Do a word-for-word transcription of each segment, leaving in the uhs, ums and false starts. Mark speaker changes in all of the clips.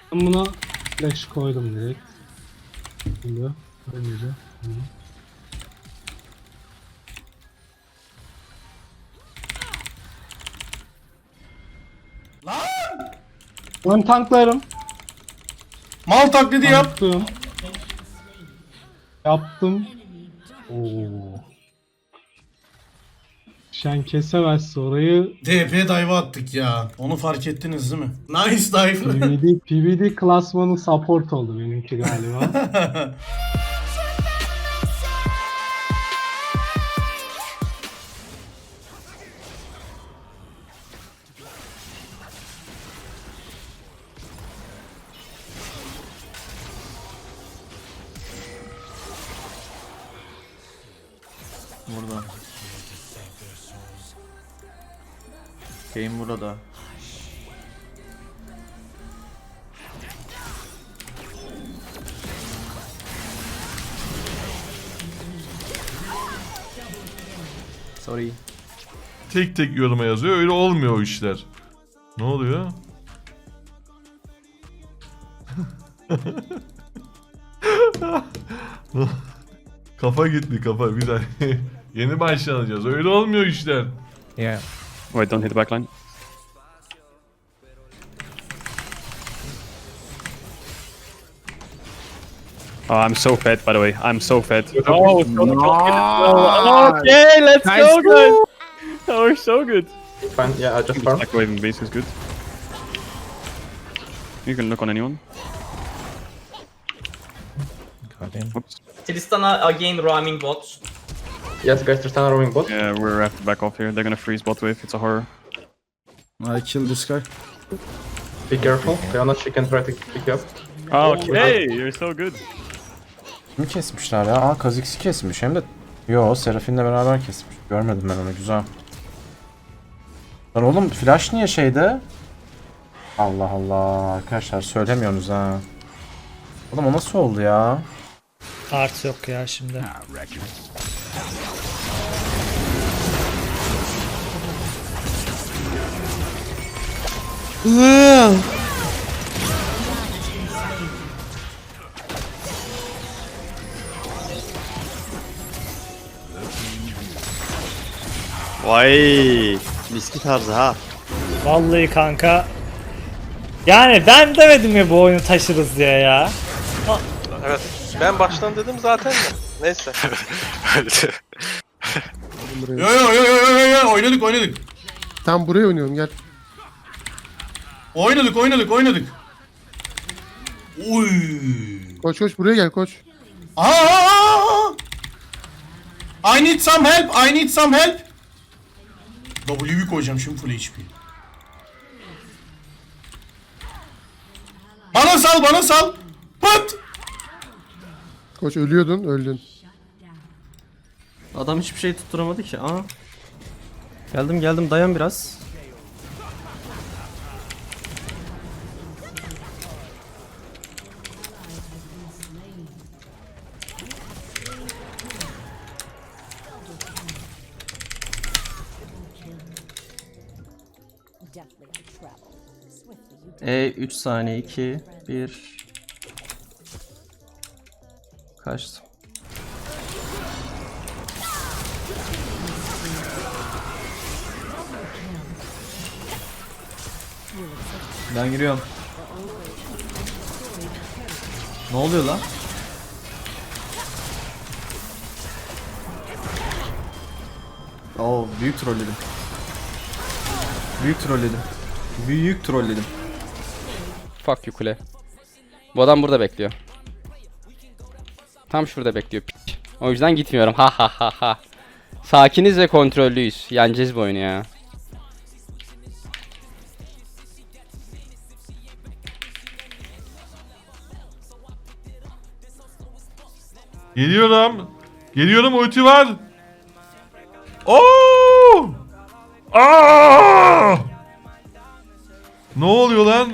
Speaker 1: Ben buna flash koydum direkt. Şimdi böylece.
Speaker 2: Lan!
Speaker 1: Ben tanklarım.
Speaker 2: Mal taklidi yap.
Speaker 1: Yaptım. Yaptım. Oo. Şen kesemezse orayı.
Speaker 2: D P dive attık ya. Onu fark ettiniz değil mi? Nice dive.
Speaker 1: P V D, P V D klasmanı support oldu benimki galiba.
Speaker 3: Burada. Game burada. Sorry.
Speaker 4: Tek tek yoruma yazıyor. Öyle olmuyor o işler. Ne oluyor? Kafa gitti kafa. Bir daha yeni başlanacağız. Öyle olmuyor işler.
Speaker 5: Yeah. Wait, don't hit the backline. Oh, I'm so fed, by the way. I'm so fed. Oh, so
Speaker 6: Nice.
Speaker 5: okay, let's
Speaker 6: Nice.
Speaker 5: go, guys. Oh, we're so good.
Speaker 6: Fine, yeah, I just farm.
Speaker 5: Like waving base is good. You can look on anyone. Oops.
Speaker 7: Tristana again roaming bot.
Speaker 6: Yes, guys, Tristana roaming bot.
Speaker 5: Yeah, we're have to back off here. They're gonna freeze bot wave. It's a horror.
Speaker 8: I killed this guy.
Speaker 6: Be careful. Leona, she can try to pick you up.
Speaker 5: Okay, you're so good.
Speaker 9: Kimi kesmişler ya? Aa, Kha'Zix'i kesmiş hem de. Yo, Seraphine beraber kesmiş. Görmedim ben onu, güzel. Lan oğlum flash niye şeyde? Allah Allah arkadaşlar söylemiyorsunuz ha. Oğlum o nasıl oldu ya?
Speaker 10: Art yok ya şimdi.
Speaker 3: Vay. Miski tarzı ha.
Speaker 10: Vallahi kanka. Yani ben demedim ya bu oyunu taşırız diye ya.
Speaker 11: Evet. Ben baştan dedim zaten de. Neyse.
Speaker 2: Yo yo yo yo yo yo oynadık oynadık.
Speaker 8: Tam buraya oynuyorum, gel.
Speaker 2: Oynadık oynadık oynadık. Uy.
Speaker 8: Koç koç buraya gel koç.
Speaker 2: Aa! I need some help. I need some help. W'yu koyacağım şimdi full H P. Bana sal, bana sal. Pıt.
Speaker 8: Koç ölüyordun, öldün.
Speaker 3: Adam hiçbir şey tutturamadı ki. Aa. Geldim geldim dayan biraz. E üç saniye iki bir kaçtı. Ben giriyorum. Ne oluyor lan? Oo, büyük trolledim. Büyük trolledim. Büyük trolledim.
Speaker 9: Fuck you kule. Bu adam burada bekliyor. Tam şurada bekliyor. Piç. O yüzden gitmiyorum. Ha ha ha ha. Sakiniz ve kontrollüyüz. Yeneceğiz bu oyunu ya.
Speaker 4: Geliyorum. Geliyorum, ulti var. Oo! Aa! Ne oluyor lan?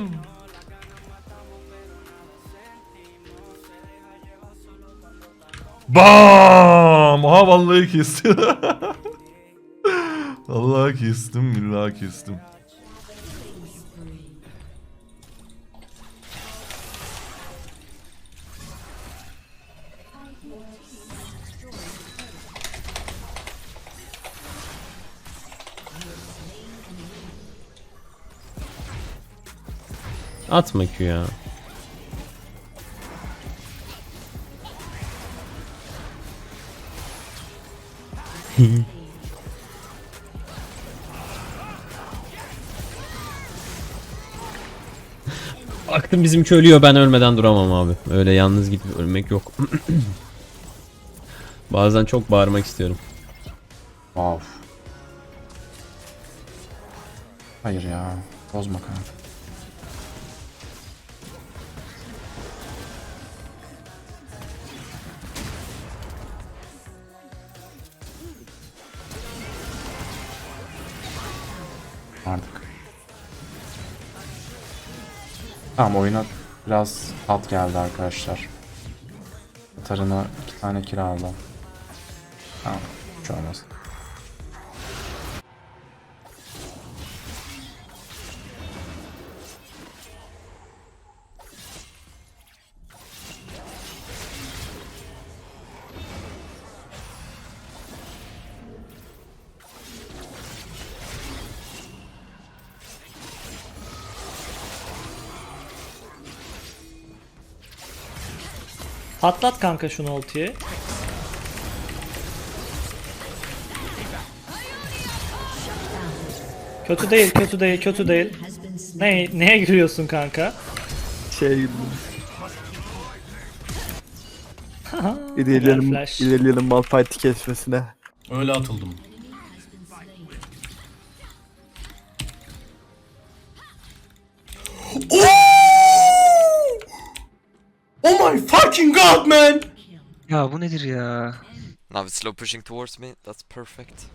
Speaker 4: Bam! Aha vallahi kestim. Vallahi kestim, billahi kestim.
Speaker 3: Atma Q ya. Baktım bizimki ölüyor, ben ölmeden duramam abi. Öyle yalnız gidip ölmek yok. Bazen çok bağırmak istiyorum.
Speaker 9: Wow. Hayır ya. Bozma kanka. Artık. Tamam, oyuna biraz tat geldi arkadaşlar. Tarına iki tane kira aldım. Tamam, hiç olmaz.
Speaker 10: Patlat kanka şunu ultiyi. Kötü değil, kötü değil, kötü değil. Ne, neye gülüyorsun kanka?
Speaker 5: Şey
Speaker 10: Helal
Speaker 5: ilerleyelim,
Speaker 10: flash.
Speaker 5: ilerleyelim Malphite'i kesmesine.
Speaker 2: Öyle atıldım. Oh! Oh my fucking god, man!
Speaker 5: Ya bu nedir ya?
Speaker 12: Now it's slow pushing towards me. That's perfect.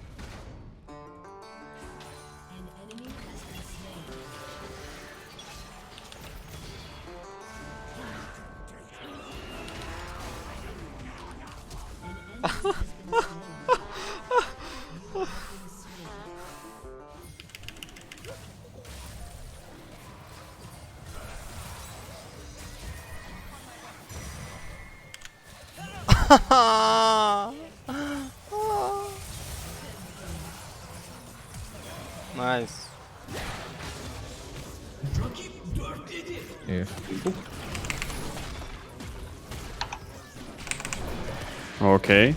Speaker 11: Nice.
Speaker 5: Okay.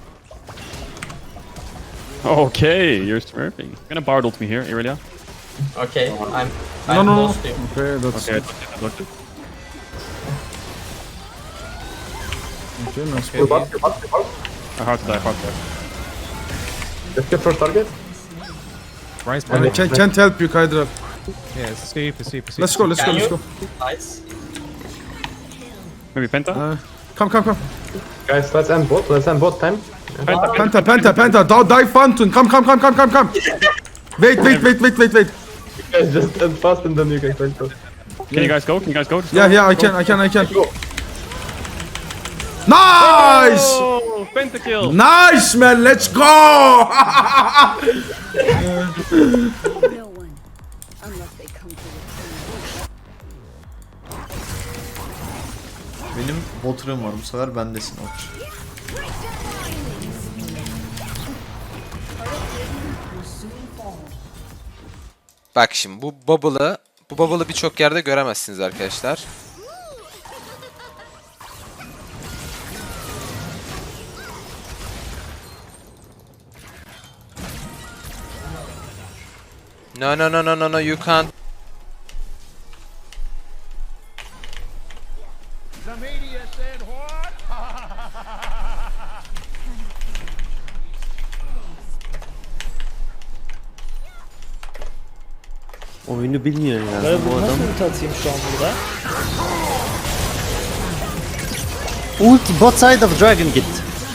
Speaker 5: Okay, you're smurfing. I'm gonna bard ult me here, Irelia.
Speaker 7: Okay, I'm
Speaker 8: No,
Speaker 7: I'm
Speaker 8: no, no.
Speaker 7: close to you.
Speaker 8: Okay, that's
Speaker 5: Okay, I blocked it, I blocked it.
Speaker 8: okay, nice.
Speaker 6: You bot, you bot, you bot.
Speaker 5: I hard to die, hard to die.
Speaker 6: Let's get first target.
Speaker 8: I can, can't help you, Kydra.
Speaker 5: Yeah, super, super, super.
Speaker 8: Let's go, let's go,
Speaker 7: Can
Speaker 8: let's
Speaker 7: you?
Speaker 8: go.
Speaker 7: Nice.
Speaker 5: Maybe Penta?
Speaker 8: Uh, come, come, come.
Speaker 6: Guys, let's end bot. Let's end bot time.
Speaker 5: Penta,
Speaker 8: Penta, Penta, Penta. Don't die, Fountain. Come, come, come, come, come, come. Wait, wait, wait, wait, wait, wait.
Speaker 6: Guys, just end fast and then you can fight bot.
Speaker 5: Can you guys go? Can you guys go? Just
Speaker 8: Yeah,
Speaker 5: go.
Speaker 8: yeah, I can, I can, I can. Nice!
Speaker 5: Oh, pentakill!
Speaker 8: Nice, man. Let's go!
Speaker 13: No one, unless they come to return.
Speaker 9: Benim botrum var, bu sefer bendesin Oç.
Speaker 12: Bak şimdi bu bubble'ı bu bubble'ı birçok yerde göremezsiniz arkadaşlar. No no no no no no you can't.
Speaker 3: Oyunu bilmiyor ya.
Speaker 10: Böyle bunu nasıl ulti atayım şu an burada?
Speaker 3: Ulti bot side of dragon git.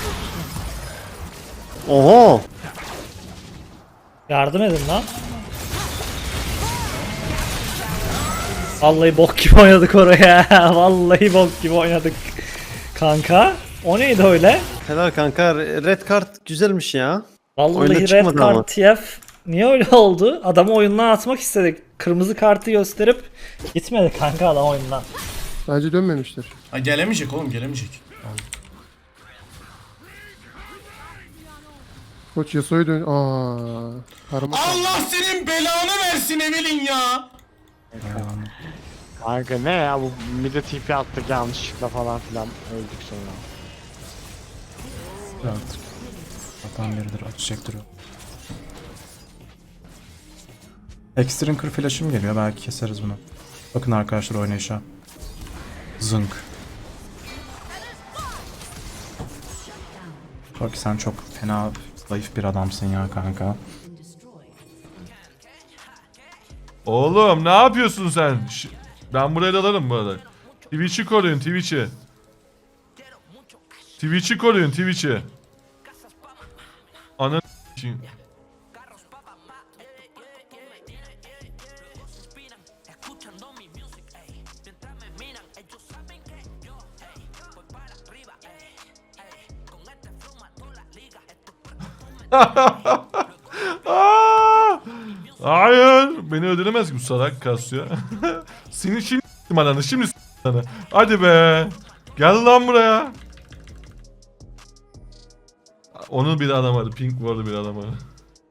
Speaker 3: Oho.
Speaker 10: Yardım edin lan. Vallahi bok gibi oynadık oraya. Vallahi bok gibi oynadık. Kanka, o neydi öyle?
Speaker 3: Helal kanka, red kart güzelmiş ya.
Speaker 10: Vallahi
Speaker 3: Oyunda
Speaker 10: red
Speaker 3: çıkmadı ama.
Speaker 10: kart T F. Niye öyle oldu? Adamı oyundan atmak istedik. Kırmızı kartı gösterip gitmedi kanka adam oyundan.
Speaker 8: Bence dönmemiştir.
Speaker 2: Ha, gelemeyecek oğlum, gelemeyecek.
Speaker 8: Koç Yasuo'yu dön... Aaa. Parmak.
Speaker 2: Allah senin belanı versin Evelyn ya.
Speaker 5: Kanka ne ya bu mid'e T P attık yanlışlıkla falan filan öldük sonra.
Speaker 9: Artık. Zaten biridir açacaktır o. Extrinker flash'ım geliyor, belki keseriz bunu. Bakın arkadaşlar oynayışa. Zınk. Bak sen çok fena zayıf bir adamsın ya kanka.
Speaker 4: Oğlum ne yapıyorsun sen? Ş- ben buraya dalarım bu arada. Twitch'i koruyun Twitch'i. Twitch'i koruyun Twitch'i. Ananı s**eyim. Aa! Hayır, beni öldüremez ki bu salak kasıyor. Seni şimdi s**tim ananı, şimdi s**tim ananı. Hadi be. Gel lan buraya. Onun bir adam vardı, Pink vardı bir adam vardı.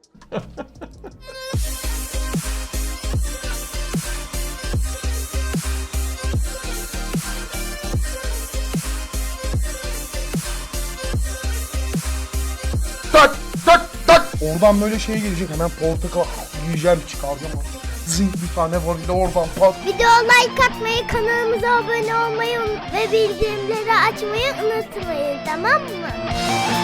Speaker 8: Tak tak tak. Oradan böyle şey gelecek, hemen portakal yiyeceğim, çıkaracağım. Zing bir tane var, bir de oradan pat.
Speaker 13: Video like atmayı, kanalımıza abone olmayı ve bildirimleri açmayı unutmayın, tamam mı?